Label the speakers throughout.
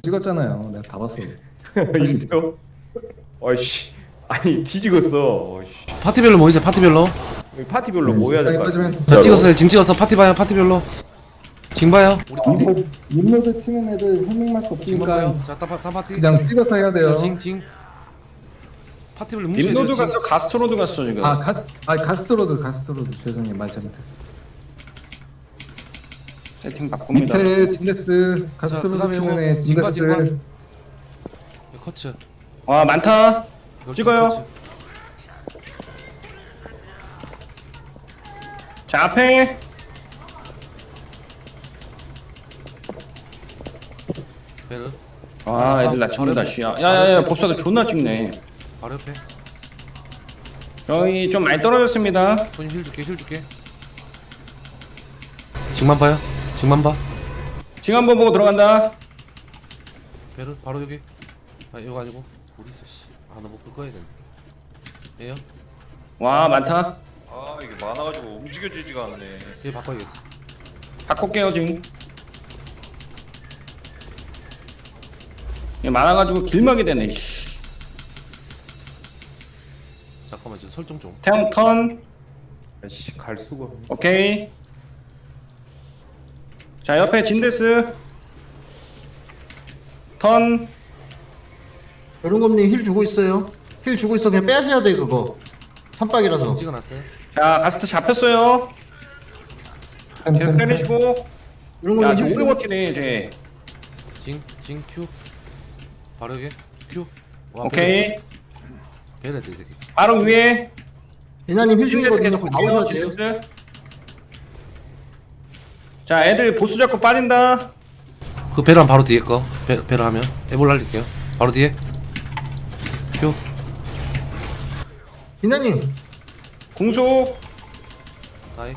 Speaker 1: 찍었잖아요. 내가 다 봤어.
Speaker 2: 이래요? 어이씨. 아니 뒤지겠어. 어이씨.
Speaker 3: 파티별로 모이세요. 파티별로.
Speaker 2: 여기 파티별로 모여야 될 것 같아.
Speaker 1: 빠지면
Speaker 3: 자 찍었어요. 징 찍었어. 파티 봐요. 파티별로. 징 봐요.
Speaker 1: 림로드 치는 애들 한 명밖에
Speaker 3: 징
Speaker 1: 없으니까
Speaker 3: 봐요. 자다 파티.
Speaker 1: 그냥 찍어서 해야 돼요.
Speaker 3: 자징 파티별로 뭉쳐야 돼요.
Speaker 2: 림노드
Speaker 3: 징.
Speaker 2: 갔어? 가스트로드 갔어 지금?
Speaker 1: 가스트로드 죄송해요. 말 잘못했어.
Speaker 2: 세팅 바꿉니다.
Speaker 1: 밑에 진데스
Speaker 3: 자
Speaker 1: 가스트로드
Speaker 3: 그다음에
Speaker 1: 치는 애
Speaker 3: 이거 징과
Speaker 1: 진데스
Speaker 3: 커츠.
Speaker 2: 와 많다. 찍어요.
Speaker 3: 커츠.
Speaker 2: 자 앞에
Speaker 3: 베르.
Speaker 2: 아 애들 나 찍는다 씨야. 야야야 법사들 존나 찍네.
Speaker 3: 바로 옆에.
Speaker 2: 저희 좀 많이 떨어졌습니다.
Speaker 3: 손님 힐 줄게. 징만 봐요. 징만 봐.
Speaker 2: 지금 한번 보고 들어간다.
Speaker 3: 베르 바로 여기. 아 이거 아니고 어디 있어 씨. 아 나 목표 꺼야 되는데. 얘요?
Speaker 2: 와 많다.
Speaker 4: 아 이게 많아가지고 움직여지지가 않네.
Speaker 3: 얘 바꿔야겠어.
Speaker 2: 바꿀게요 지금. 얘 많아가지고 길막이 되네. 씨.
Speaker 3: 잠깐만 지금 설정 좀.
Speaker 2: 태양 턴.
Speaker 4: 아씨 갈 수가.
Speaker 2: 오케이. 자 옆에 진데스 턴.
Speaker 5: 여름곰님 힐 주고 있어요. 힐 주고 있어. 그냥 빼셔야 돼 그거. 산박이라서.
Speaker 3: 찍어놨어요.
Speaker 2: 자 가스트 잡혔어요. 계속 때리시고. 야
Speaker 5: 여름곰님
Speaker 2: 지금
Speaker 5: 힐
Speaker 2: 오래
Speaker 5: 주고.
Speaker 2: 버티네 이제.
Speaker 3: 징 큐. 바로 여기 큐. 와,
Speaker 2: 오케이.
Speaker 3: 베르 돼 이 새끼.
Speaker 2: 바로 위에
Speaker 5: 이나님 힐
Speaker 2: 진데스
Speaker 5: 중이거든요.
Speaker 2: 계속
Speaker 5: 그럼
Speaker 2: 볼게요.
Speaker 5: 나오셔야 돼요.
Speaker 2: 진데스. 자 애들 보스 잡고 빠진다.
Speaker 3: 그 베르는 바로 뒤에 거. 베르 하면 에볼 날릴게요. 바로 뒤에. 큐.
Speaker 5: 이나님
Speaker 2: 궁수.
Speaker 3: 다이.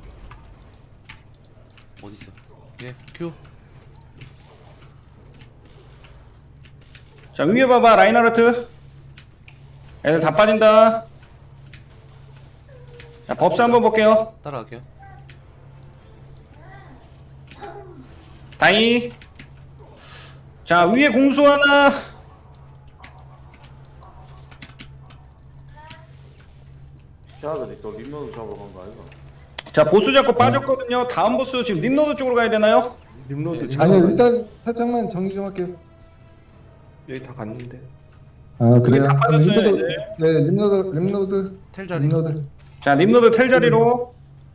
Speaker 3: 어디 있어? 예. 큐.
Speaker 2: 자 위에 봐봐 라인하르트. 애들 다 빠진다. 자 법사 한번 볼게요.
Speaker 3: 따라갈게요.
Speaker 2: 다이. 자 위에 공수 하나.
Speaker 4: 샤들이 또 림노드 잡으러 간 거 아이가?
Speaker 2: 자 보스 잡고 빠졌거든요. 다음 보스 지금 림노드 쪽으로 가야 되나요?
Speaker 4: 림노드
Speaker 1: 아니 일단 살짝만 정리 좀 할게요.
Speaker 4: 여기 다 갔는데.
Speaker 1: 아 그래요?
Speaker 2: 다 빠졌어요,
Speaker 1: 림노드,
Speaker 2: 이제.
Speaker 1: 네 림노드
Speaker 3: 텔 자리.
Speaker 1: 림노드
Speaker 2: 자 림노드 텔 자리로.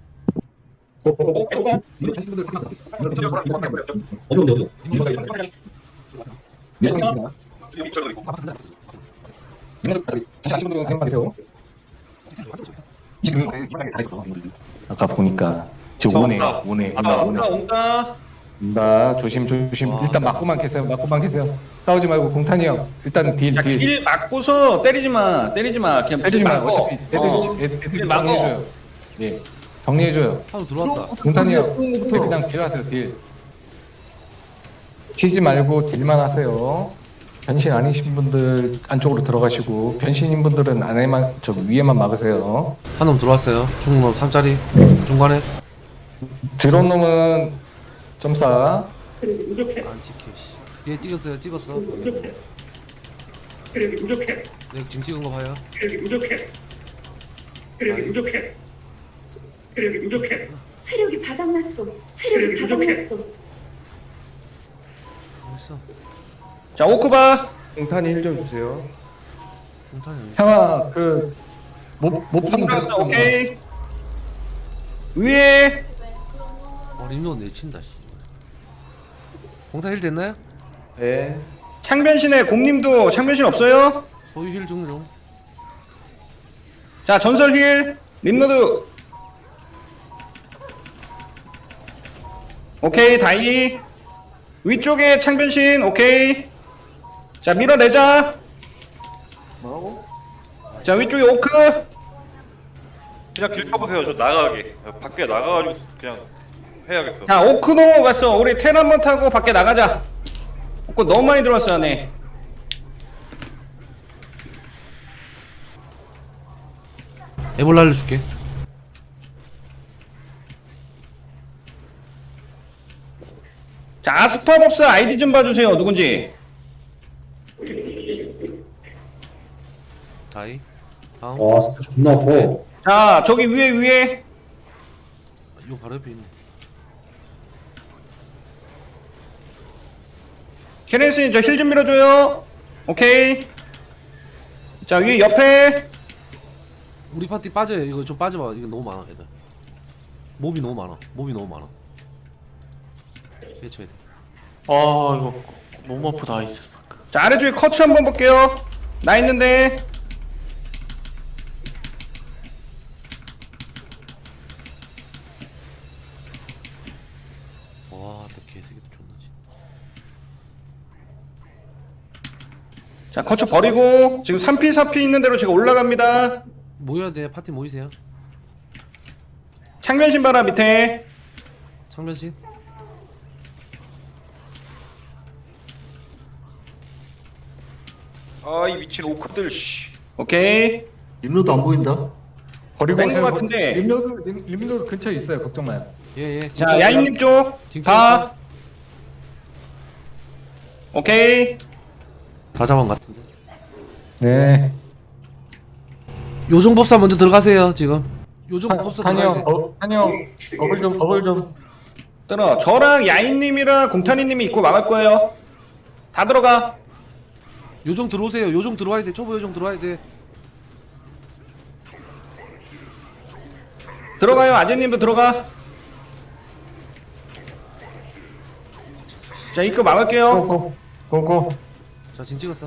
Speaker 1: 아까 보니까 지금 오네.
Speaker 2: 온다 온다.
Speaker 1: 온다. 조심.
Speaker 3: 와,
Speaker 1: 일단 맞고만 계세요. 싸우지 말고 공탄이 형. 일단 딜.
Speaker 2: 길 막고서 때리지 마. 그냥
Speaker 1: 때리지
Speaker 2: 길
Speaker 1: 말고
Speaker 2: 막고.
Speaker 1: 어차피 애들
Speaker 2: 막어.
Speaker 1: 정리해줘요. 예, 정리해줘요.
Speaker 3: 하도 들어왔다.
Speaker 1: 공탄이 형. 그냥 딜하세요. 딜. 치지 말고 딜만 하세요. 변신 아니신 분들 안쪽으로 들어가시고 변신인 분들은 안에만 저 위에만 막으세요.
Speaker 3: 한 놈 들어왔어요. 중놈 3짜리. 중간에.
Speaker 1: 들어온 놈은 점사.
Speaker 3: 안 찍혀 씨. 얘 찍었어. 네, 지금 찍은 거 봐요.
Speaker 6: 체력이 바닥났어. 체력이 바닥났어.
Speaker 3: 어딨어?
Speaker 2: 자 오크바.
Speaker 4: 공탄이 힐 좀 주세요.
Speaker 3: 공탄이 어딨어?
Speaker 1: 형아 못 파는
Speaker 2: 공났어. 오케이. 위에.
Speaker 3: 림노 내친다 씨. 공탄 힐 됐나요?
Speaker 4: 네.
Speaker 2: 창변신에 곰님도 창변신 없어요?
Speaker 3: 소유 힐 중.
Speaker 2: 자 전설 힐. 림노드. 오케이 다이. 위쪽에 창변신. 오케이. 자 밀어내자.
Speaker 4: 뭐라고?
Speaker 2: 자 위쪽에 오크.
Speaker 4: 그냥 길 펴보세요. 저 나가게. 밖에 나가가지고 그냥 해야겠어.
Speaker 2: 자 오크 넘어갔어. 우리 텔 한번 타고 밖에 나가자. 오크 너무 많이 들어왔어 안에.
Speaker 3: 에볼 날려줄게.
Speaker 2: 자, 아스파법사 아이디 좀 봐주세요. 누군지.
Speaker 3: 다이. 다음.
Speaker 7: 와 스타 존나 아파.
Speaker 2: 자, 저기 위에.
Speaker 3: 이거 바로 옆에 있네.
Speaker 2: 케렌스님 저 힐 좀 밀어줘요. 오케이. 자, 위에 옆에.
Speaker 3: 우리 파티 빠져요. 이거 좀 빠져봐. 이거 너무 많아 애들. 몹이 너무 많아. 해쳐야 돼.
Speaker 8: 아 이거 너무 아프다 이제.
Speaker 2: 자, 아래쪽에 커츠 한번 볼게요. 나 있는데.
Speaker 3: 와, 또 개새끼도 존나지.
Speaker 2: 자, 커츠 버리고 지금 3피 4피 있는 대로 제가 올라갑니다.
Speaker 3: 모여야 돼. 파티 모이세요.
Speaker 2: 창면 신바라 밑에.
Speaker 3: 창면신.
Speaker 4: 아 이 미친 오크들 씨.
Speaker 2: 오케이.
Speaker 5: 림로도 안 보인다.
Speaker 1: 버리고
Speaker 2: 뺀것
Speaker 1: 오세요.
Speaker 2: 같은데.
Speaker 1: 림도 근처에 있어요. 걱정 마요.
Speaker 3: 예.
Speaker 2: 자, 야인님 쪽. 다. 오케이.
Speaker 3: 다 잡은 것 같은데.
Speaker 1: 네.
Speaker 3: 요정법사 먼저 들어가세요 지금. 요정법사 들어가야 돼.
Speaker 1: 한영 어글 좀.
Speaker 2: 들어. 저랑 야인님이랑 공탄이님이 입고 막을 거예요. 다 들어가.
Speaker 3: 요정 들어오세요. 요정 들어와야 돼. 초보 요정 들어와야 돼.
Speaker 2: 들어가요. 아재님도 들어가. 자, 입고 막을게요.
Speaker 1: 고고.
Speaker 3: 자, 진 찍었어.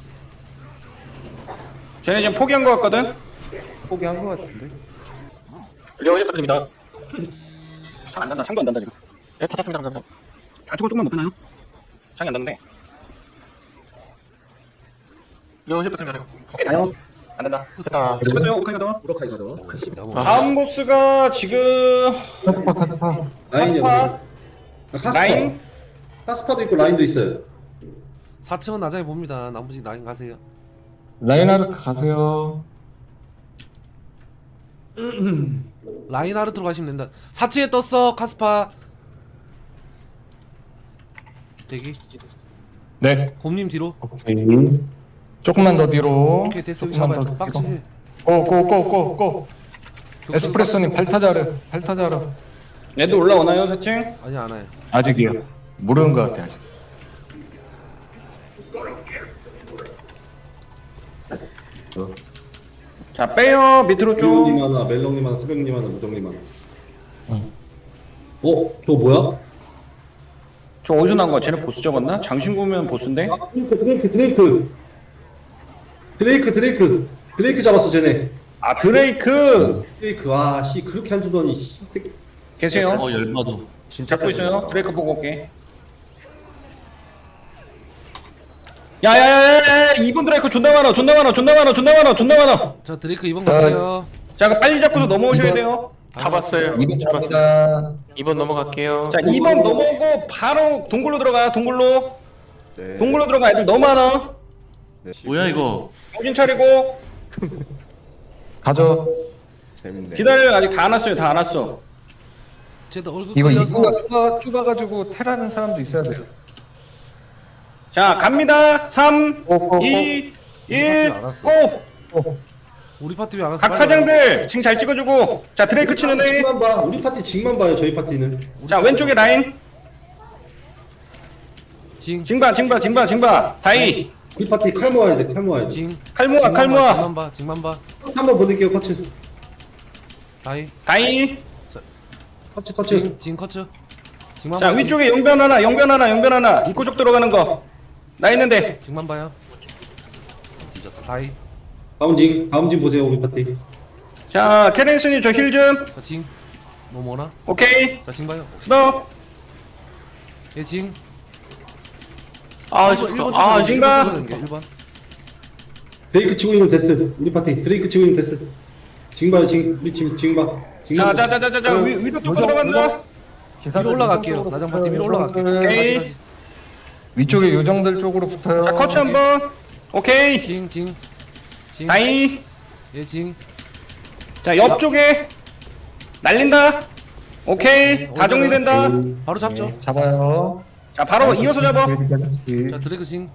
Speaker 2: 쟤네 지금 포기한 거 같거든.
Speaker 4: 포기한 거 같은데.
Speaker 8: 려원이 부탁드립니다.
Speaker 2: 창안 단다. 창도 안 단다 지금.
Speaker 8: 네, 받았습니다. 감사합니다.
Speaker 2: 좌측으로 조금만 높여놔요. 창이 안 닿는데.
Speaker 8: 려원이 부탁드립니다.
Speaker 2: 오케이, 다요. 안 된다.
Speaker 8: 됐다.
Speaker 2: 잠깐만요. 오카이 가더.
Speaker 5: 우라카이 가져.
Speaker 2: 다음 보스가 지금 카스파 라인.
Speaker 5: 카스파도 있고 라인도 있어요.
Speaker 3: 4층은 나중에 봅니다. 나머지 라인 가세요.
Speaker 1: 라인하르트 가세요.
Speaker 3: 라인 아르트로 가시면 된다. 4층에 떴어. 카스파. 대기.
Speaker 1: 네.
Speaker 3: 곰님 뒤로.
Speaker 1: 오케이. 조금만 더 뒤로.
Speaker 3: 오케이, 됐어. 여기
Speaker 1: 조금만
Speaker 3: 잡아요.
Speaker 1: 더 뒤로.
Speaker 3: 빡치세요.
Speaker 1: 고. 에스프레소님 발타자르.
Speaker 2: 얘도 올라오나요, 4층?
Speaker 3: 아니 안 와요.
Speaker 1: 아직이요. 모르는 것 같아 아직.
Speaker 2: 자, 빼요. 밑으로
Speaker 7: 멜롱님
Speaker 2: 좀.
Speaker 7: 하나, 멜롱님 하나, 새벽님 하나, 무정님 하나. 저 뭐야?
Speaker 2: 저 어디서 나온 거야? 쟤네 보스 적었나? 장신구면 보스인데?
Speaker 7: 아, 드레이크 잡았어 쟤네.
Speaker 2: 아, 드레이크.
Speaker 7: 드레이크 와씨 그렇게 안 주더니 씨 새끼.
Speaker 2: 계세요?
Speaker 8: 열마도.
Speaker 2: 잡고 있어요. 드레이크 보고 올게. 야야야야! 2번 드레이크 존나 많아.
Speaker 3: 자, 드레이크 2번
Speaker 1: 자,
Speaker 3: 갈게요.
Speaker 2: 자, 그 빨리 잡고서 넘어오셔야 돼요.
Speaker 8: 잡았어요.
Speaker 1: 2번 잡았습니다.
Speaker 8: 2번 넘어갈게요.
Speaker 2: 자, 2번 넘어오고 바로 동굴로 들어가. 동굴로 들어가. 애들 너무 많아.
Speaker 8: 뭐야 이거?
Speaker 2: 정신 차리고
Speaker 1: 가죠.
Speaker 2: 기다려요. 아직 다 안 왔어요. 다 안 왔어.
Speaker 3: 쟤도 얼굴
Speaker 1: 이거
Speaker 3: 끌려서
Speaker 1: 좁아가지고 테라는 사람도 있어야 돼요.
Speaker 2: 자, 갑니다. 3,
Speaker 1: 고.
Speaker 2: 2, 1,
Speaker 3: 알았어.
Speaker 2: 고!
Speaker 3: 우리 파티 왜 안 왔어?
Speaker 2: 각 화장들 지금 잘 찍어주고. 자, 드레이크 치는 애.
Speaker 7: 징만 봐. 우리 파티 징만 봐요. 저희 파티는.
Speaker 2: 자, 왼쪽에 라인.
Speaker 3: 징.
Speaker 2: 징바. 다이.
Speaker 7: 우리 파티 칼 모아야 돼. 칼 모아야 돼.
Speaker 3: 징.
Speaker 2: 칼 모아.
Speaker 3: 징만 봐.
Speaker 7: 커츠 한번 보낼게요. 커츠.
Speaker 3: 다이.
Speaker 2: 다이.
Speaker 7: 커츠.
Speaker 3: 징 커츠. 징만
Speaker 2: 자,
Speaker 3: 봐.
Speaker 2: 위쪽에 영변 하나. 입구 쪽 들어가는 거. 나 있는데.
Speaker 3: 징만 봐요. 뒤졌다. 다이.
Speaker 7: 다음 징 보세요. 우리 파티.
Speaker 2: 자, 케렌스님 저 힐 좀.
Speaker 3: 자, 징. 넘어오나?
Speaker 2: 오케이.
Speaker 3: 자, 징 봐요.
Speaker 2: 스톱.
Speaker 3: 예, 징.
Speaker 8: 아,
Speaker 3: 1번
Speaker 2: 징바.
Speaker 3: 1번.
Speaker 7: 드레이크 치고 있는 데스. 우리 파티 드레이크 치고 있는 데스. 징 봐요. 우리 징 봐.
Speaker 2: 자, 위로 뚫고 들어간다.
Speaker 3: 위로 올라갈게요. 나장 파티 위로 올라갈게요.
Speaker 2: 오케이.
Speaker 3: 다시.
Speaker 1: 위쪽에 요정들 쪽으로 붙어요.
Speaker 2: 자, 커츠 한번. 오케이.
Speaker 3: 징.
Speaker 2: 다이.
Speaker 3: 예, 징.
Speaker 2: 자, 옆쪽에 날린다. 오케이. 다 정리된다.
Speaker 3: 바로 잡죠.
Speaker 1: 잡아요.
Speaker 2: 자 바로 이어서 잡아.
Speaker 3: 자 드래그싱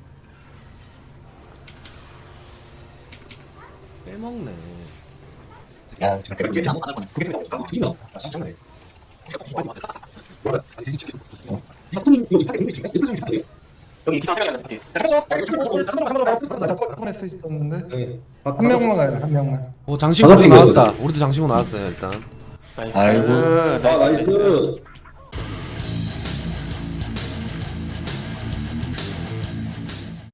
Speaker 3: 빼먹네.
Speaker 1: 야,
Speaker 8: 여기 기사 생각나.
Speaker 1: 한번 쓸 수 있었는데
Speaker 7: 네.
Speaker 1: 한 명만 가요, 한 명만.
Speaker 3: 오 장신구
Speaker 7: 바닥에
Speaker 3: 나왔다. 우리도 장신구 나왔어요 일단.
Speaker 1: 아이고.
Speaker 7: 아 나이스.